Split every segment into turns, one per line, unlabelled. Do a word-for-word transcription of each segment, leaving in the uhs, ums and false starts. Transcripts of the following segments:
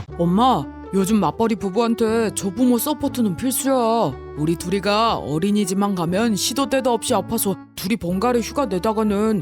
엄마, 요즘 맞벌이 부부한테 조부모 서포트는 필수야. 우리 둘이가 어린이집만 가면 시도 때도 없이 아파서 둘이 번갈이 휴가 내다가는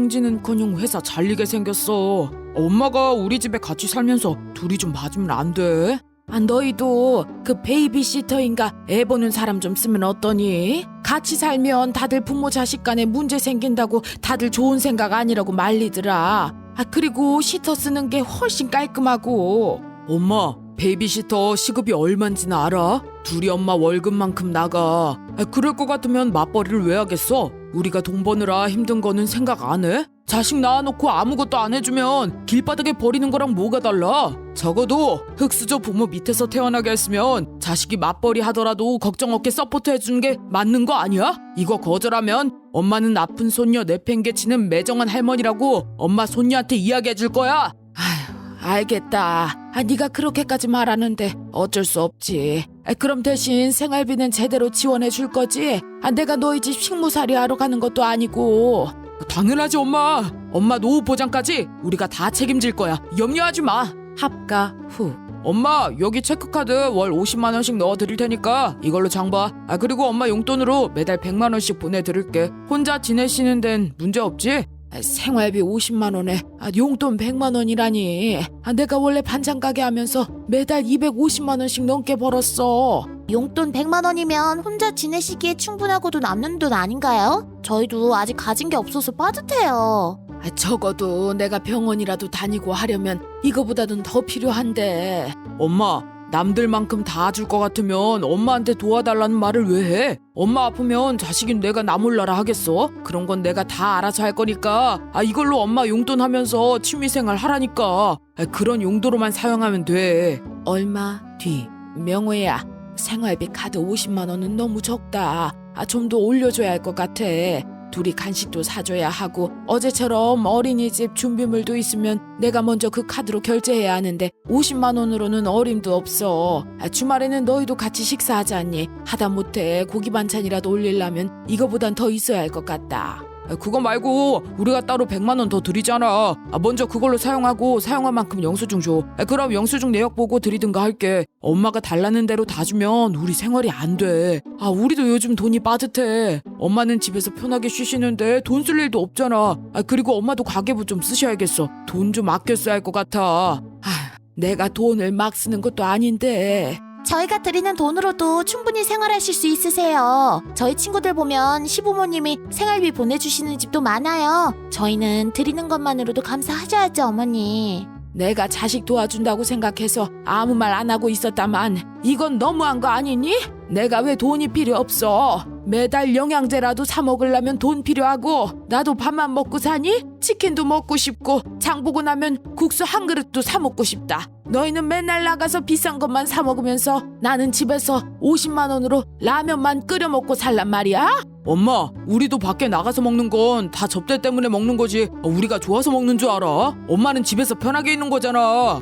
승진은커녕 회사 잘리게 생겼어. 엄마가 우리 집에 같이 살면서 둘이 좀 봐주면 안 돼? 아, 너희도 그 베이비시터인가 애 보는 사람 좀 쓰면 어떠니? 같이 살면 다들 부모 자식 간에 문제 생긴다고 다들 좋은 생각 아니라고 말리더라. 아, 그리고 시터 쓰는 게 훨씬 깔끔하고. 엄마, 베이비시터 시급이 얼만지는 알아? 둘이 엄마 월급만큼 나가. 아, 그럴 것 같으면 맞벌이를 왜 하겠어? 우리가 돈 버느라 힘든 거는 생각 안 해? 자식 낳아놓고 아무것도 안 해주면 길바닥에 버리는 거랑 뭐가 달라? 적어도 흙수저 부모 밑에서 태어나게 했으면 자식이 맞벌이 하더라도 걱정 없게 서포트 해주는 게 맞는 거 아니야? 이거 거절하면 엄마는 아픈 손녀 내팽개치는 매정한 할머니라고 엄마 손녀한테 이야기해 줄 거야. 아휴, 알겠다. 아, 네가 그렇게까지 말하는데 어쩔 수 없지. 아, 그럼 대신 생활비는 제대로 지원해 줄 거지? 아, 내가 너희 집 식모살이 하러 가는 것도 아니고. 당연하지 엄마. 엄마 노후 보장까지 우리가 다 책임질 거야. 염려하지 마. 합가 후. 엄마, 여기 체크카드 월 오십만 원씩 넣어드릴 테니까 이걸로 장봐. 아, 그리고 엄마 용돈으로 매달 백만 원씩 보내드릴게. 혼자 지내시는 데는 문제 없지? 아, 생활비 오십만 원에 아, 용돈 백만 원이라니. 아, 내가 원래 반찬 가게 하면서 매달 이백오십만 원씩 넘게 벌었어.
용돈 백만 원이면 혼자 지내시기에 충분하고도 남는 돈 아닌가요? 저희도 아직 가진 게 없어서 빠듯해요.
아, 적어도 내가 병원이라도 다니고 하려면 이거보다는 더 필요한데. 엄마, 남들만큼 다 줄 것 같으면 엄마한테 도와달라는 말을 왜 해? 엄마 아프면 자식인 내가 나 몰라라 하겠어? 그런 건 내가 다 알아서 할 거니까 아, 이걸로 엄마 용돈 하면서 취미생활 하라니까. 아, 그런 용도로만 사용하면 돼. 얼마 뒤. 명호야, 생활비 카드 오십만 원은 너무 적다. 아, 좀 더 올려줘야 할 것 같아. 둘이 간식도 사줘야 하고 어제처럼 어린이집 준비물도 있으면 내가 먼저 그 카드로 결제해야 하는데 오십만 원으로는 어림도 없어. 아, 주말에는 너희도 같이 식사하자니. 하다못해 고기 반찬이라도 올리려면 이거보단 더 있어야 할 것 같다. 아, 그거 말고 우리가 따로 백만 원 더 드리잖아. 아, 먼저 그걸로 사용하고 사용한 만큼 영수증 줘. 아, 그럼 영수증 내역 보고 드리든가 할게. 엄마가 달라는 대로 다 주면 우리 생활이 안 돼. 아, 우리도 요즘 돈이 빠듯해. 엄마는 집에서 편하게 쉬시는데 돈 쓸 일도 없잖아. 아, 그리고 엄마도 가계부 좀 쓰셔야겠어. 돈 좀 아껴 써야 할 것 같아. 아, 내가 돈을 막 쓰는 것도 아닌데.
저희가 드리는 돈으로도 충분히 생활하실 수 있으세요. 저희 친구들 보면 시부모님이 생활비 보내주시는 집도 많아요. 저희는 드리는 것만으로도 감사하셔야죠, 어머니.
내가 자식 도와준다고 생각해서 아무 말 안 하고 있었다만 이건 너무한 거 아니니? 내가 왜 돈이 필요 없어? 매달 영양제라도 사 먹으려면 돈 필요하고 나도 밥만 먹고 사니? 치킨도 먹고 싶고 장 보고 나면 국수 한 그릇도 사 먹고 싶다. 너희는 맨날 나가서 비싼 것만 사 먹으면서 나는 집에서 오십만 원으로 라면만 끓여 먹고 살란 말이야? 엄마, 우리도 밖에 나가서 먹는 건 다 접대 때문에 먹는 거지 우리가 좋아서 먹는 줄 알아? 엄마는 집에서 편하게 있는 거잖아.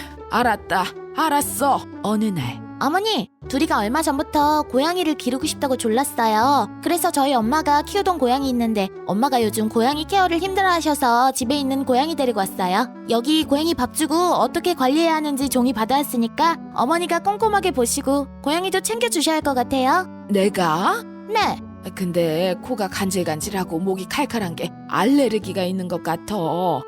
알았다. 알았어. 어느 날
어머니, 둘이가 얼마 전부터 고양이를 기르고 싶다고 졸랐어요. 그래서 저희 엄마가 키우던 고양이 있는데 엄마가 요즘 고양이 케어를 힘들어하셔서 집에 있는 고양이 데리고 왔어요. 여기 고양이 밥 주고 어떻게 관리해야 하는지 종이 받아왔으니까 어머니가 꼼꼼하게 보시고 고양이도 챙겨주셔야 할 것 같아요.
내가?
네.
근데 코가 간질간질하고 목이 칼칼한 게 알레르기가 있는 것 같아.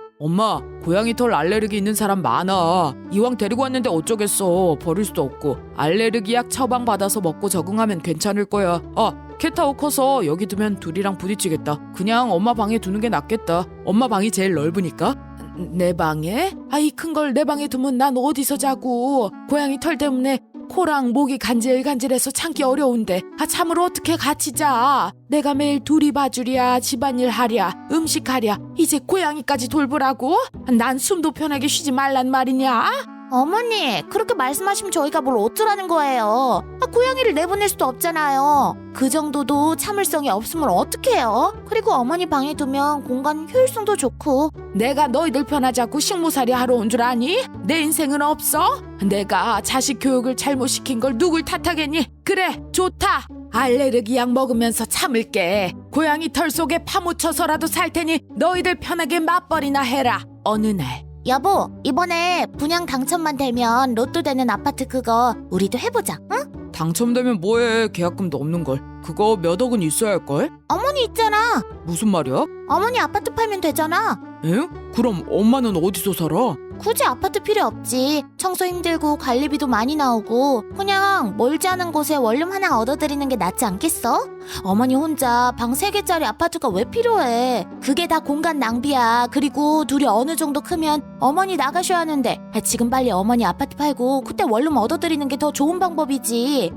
엄마, 고양이 털 알레르기 있는 사람 많아. 이왕 데리고 왔는데 어쩌겠어. 버릴 수도 없고. 알레르기 약 처방받아서 먹고 적응하면 괜찮을 거야. 아, 캣타워 커서 여기 두면 둘이랑 부딪히겠다. 그냥 엄마 방에 두는 게 낫겠다. 엄마 방이 제일 넓으니까. 내 방에? 아, 이 큰 걸 내 방에 두면 난 어디서 자고. 고양이 털 때문에 코랑 목이 간질간질해서 참기 어려운데 아, 참으로 어떻게 같이 자. 내가 매일 둘이 봐주랴, 집안일 하랴, 음식하랴, 이제 고양이까지 돌보라고? 난 숨도 편하게 쉬지 말란 말이냐?
어머니, 그렇게 말씀하시면 저희가 뭘 어쩌라는 거예요. 아, 고양이를 내보낼 수도 없잖아요. 그 정도도 참을성이 없으면 어떡해요? 그리고 어머니 방에 두면 공간 효율성도 좋고.
내가 너희들 편하자고 식모살이 하러 온 줄 아니? 내 인생은 없어? 내가 자식 교육을 잘못 시킨 걸 누굴 탓하겠니? 그래, 좋다. 알레르기 약 먹으면서 참을게. 고양이 털 속에 파묻혀서라도 살 테니 너희들 편하게 맞벌이나 해라. 어느 날
여보, 이번에 분양 당첨만 되면 로또 되는 아파트 그거 우리도 해보자, 응?
당첨되면 뭐해? 계약금도 없는 걸. 그거 몇 억은 있어야 할걸?
어머니 있잖아.
무슨 말이야?
어머니 아파트 팔면 되잖아.
에? 그럼 엄마는 어디서 살아?
굳이 아파트 필요 없지. 청소 힘들고 관리비도 많이 나오고 그냥 멀지 않은 곳에 원룸 하나 얻어드리는 게 낫지 않겠어? 어머니 혼자 방 세 개짜리 아파트가 왜 필요해? 그게 다 공간 낭비야. 그리고 둘이 어느 정도 크면 어머니 나가셔야 하는데 지금 빨리 어머니 아파트 팔고 그때 원룸 얻어드리는 게 더 좋은 방법이지.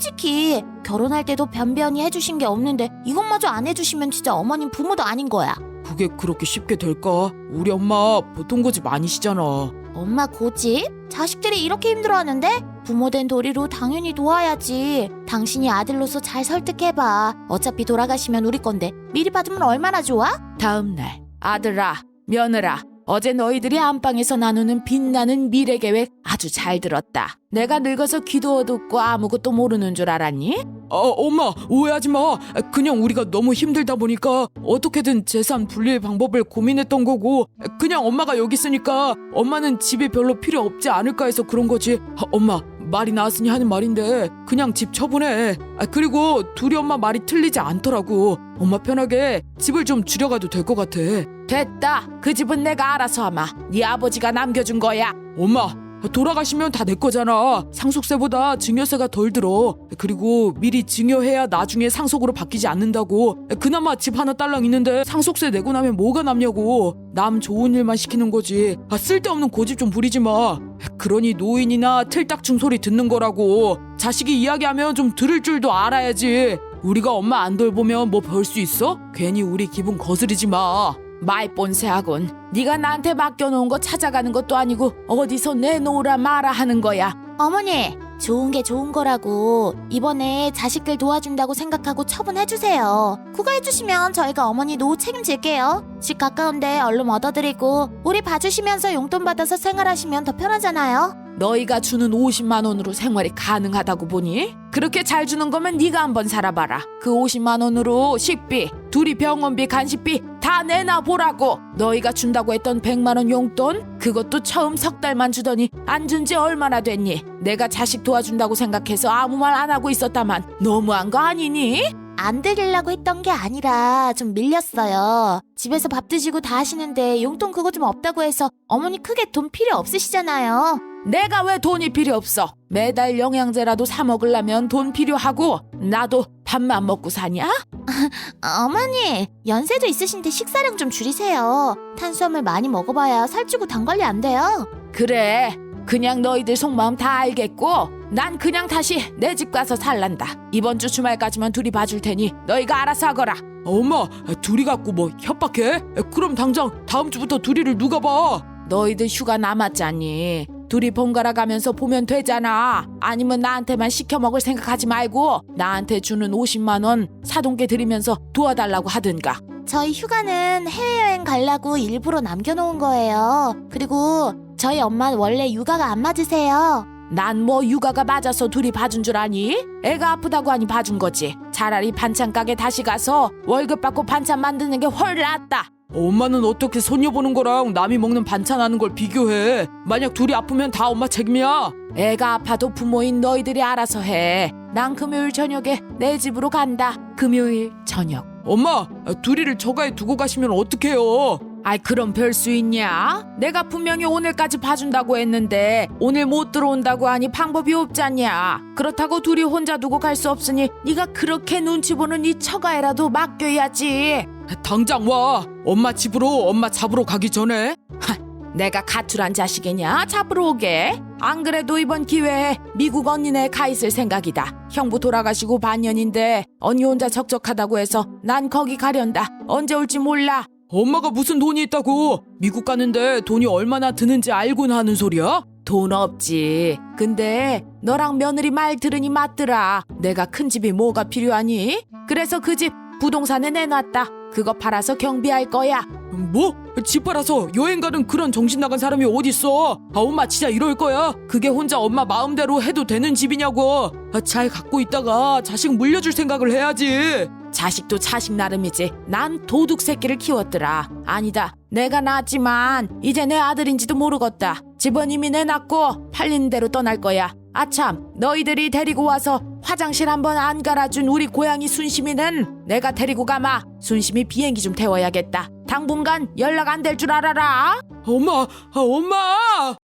솔직히 결혼할 때도 변변히 해주신 게 없는데 이것마저 안 해주시면 진짜 어머님 부모도 아닌 거야.
그게 그렇게 쉽게 될까? 우리 엄마 보통 고집 아니시잖아.
엄마 고집? 자식들이 이렇게 힘들어하는데? 부모된 도리로 당연히 도와야지. 당신이 아들로서 잘 설득해봐. 어차피 돌아가시면 우리 건데 미리 받으면 얼마나 좋아?
다음날 아들아, 며느라, 어제 너희들이 안방에서 나누는 빛나는 미래 계획 아주 잘 들었다. 내가 늙어서 귀도 어둡고 아무것도 모르는 줄 알았니? 어, 엄마 오해하지 마. 그냥 우리가 너무 힘들다 보니까 어떻게든 재산 분리의 방법을 고민했던 거고 그냥 엄마가 여기 있으니까 엄마는 집이 별로 필요 없지 않을까 해서 그런 거지. 아, 엄마 말이 나왔으니 하는 말인데 그냥 집 처분해. 아, 그리고 둘이 엄마 말이 틀리지 않더라고. 엄마 편하게 집을 좀 줄여가도 될 것 같아. 됐다. 그 집은 내가 알아서 하마. 네 아버지가 남겨준 거야. 엄마 돌아가시면 다 내 거잖아. 상속세보다 증여세가 덜 들어. 그리고 미리 증여해야 나중에 상속으로 바뀌지 않는다고. 그나마 집 하나 딸랑 있는데 상속세 내고 나면 뭐가 남냐고. 남 좋은 일만 시키는 거지. 아, 쓸데없는 고집 좀 부리지 마. 그러니 노인이나 틀딱충 소리 듣는 거라고. 자식이 이야기하면 좀 들을 줄도 알아야지. 우리가 엄마 안 돌보면 뭐 벌 수 있어? 괜히 우리 기분 거스르지 마. 말본세하군. 네가 나한테 맡겨놓은 거 찾아가는 것도 아니고 어디서 내놓으라 마라 하는 거야.
어머니, 좋은 게 좋은 거라고. 이번에 자식들 도와준다고 생각하고 처분해주세요. 그거 해주시면 저희가 어머니 노후 책임질게요. 집 가까운데 얼른 얻어드리고 우리 봐주시면서 용돈 받아서 생활하시면 더 편하잖아요.
너희가 주는 오십만 원으로 생활이 가능하다고 보니? 그렇게 잘 주는 거면 네가 한번 살아봐라. 그 오십만 원으로 식비, 둘이 병원비, 간식비 다 내놔 보라고. 너희가 준다고 했던 백만 원 용돈? 그것도 처음 석 달만 주더니 안 준 지 얼마나 됐니? 내가 자식 도와준다고 생각해서 아무 말 안 하고 있었다만 너무한 거 아니니?
안 드리려고 했던 게 아니라 좀 밀렸어요. 집에서 밥 드시고 다 하시는데 용돈 그거 좀 없다고 해서 어머니 크게 돈 필요 없으시잖아요.
내가 왜 돈이 필요 없어? 매달 영양제라도 사 먹으려면 돈 필요하고 나도 밥만 먹고 사냐?
어머니, 연세도 있으신데 식사량 좀 줄이세요. 탄수화물 많이 먹어봐야 살찌고 당 관리 안 돼요.
그래, 그냥 너희들 속마음 다 알겠고 난 그냥 다시 내 집 가서 살란다. 이번 주 주말까지만 둘이 봐줄 테니 너희가 알아서 하거라. 엄마, 둘이 갖고 뭐 협박해? 그럼 당장 다음 주부터 둘이를 누가 봐? 너희들 휴가 남았잖니. 둘이 번갈아 가면서 보면 되잖아. 아니면 나한테만 시켜 먹을 생각하지 말고 나한테 주는 오십만 원 사돈께 드리면서 도와달라고 하든가.
저희 휴가는 해외여행 가려고 일부러 남겨놓은 거예요. 그리고 저희 엄마는 원래 육아가 안 맞으세요.
난 뭐 육아가 맞아서 둘이 봐준 줄 아니? 애가 아프다고 하니 봐준 거지. 차라리 반찬 가게 다시 가서 월급 받고 반찬 만드는 게 훨 낫다. 엄마는 어떻게 손녀 보는 거랑 남이 먹는 반찬 하는 걸 비교해? 만약 둘이 아프면 다 엄마 책임이야. 애가 아파도 부모인 너희들이 알아서 해. 난 금요일 저녁에 내 집으로 간다. 금요일 저녁. 엄마, 둘이를 저가에 두고 가시면 어떡해요? 아이, 그럼 별 수 있냐? 내가 분명히 오늘까지 봐준다고 했는데 오늘 못 들어온다고 하니 방법이 없잖냐. 그렇다고 둘이 혼자 두고 갈 수 없으니 네가 그렇게 눈치 보는 이 처가에라도 맡겨야지. 당장 와. 엄마 집으로 엄마 잡으러 가기 전에. 하, 내가 가출한 자식이냐? 잡으러 오게. 안 그래도 이번 기회에 미국 언니네 가 있을 생각이다. 형부 돌아가시고 반년인데 언니 혼자 적적하다고 해서 난 거기 가련다. 언제 올지 몰라. 엄마가 무슨 돈이 있다고? 미국 가는데 돈이 얼마나 드는지 알고는 하는 소리야? 돈 없지. 근데 너랑 며느리 말 들으니 맞더라. 내가 큰 집이 뭐가 필요하니? 그래서 그 집 부동산에 내놨다. 그거 팔아서 경비할 거야. 뭐? 집 팔아서 여행 가는 그런 정신 나간 사람이 어딨어? 아, 엄마 진짜 이럴 거야? 그게 혼자 엄마 마음대로 해도 되는 집이냐고. 아, 잘 갖고 있다가 자식 물려줄 생각을 해야지. 자식도 자식 나름이지. 난 도둑 새끼를 키웠더라. 아니다. 내가 낳았지만 이제 내 아들인지도 모르겠다. 집은 이미 내놨고 팔리는 대로 떠날 거야. 아참, 너희들이 데리고 와서 화장실 한번 안 갈아준 우리 고양이 순심이는 내가 데리고 가마. 순심이 비행기 좀 태워야겠다. 당분간 연락 안 될 줄 알아라. 엄마, 엄마!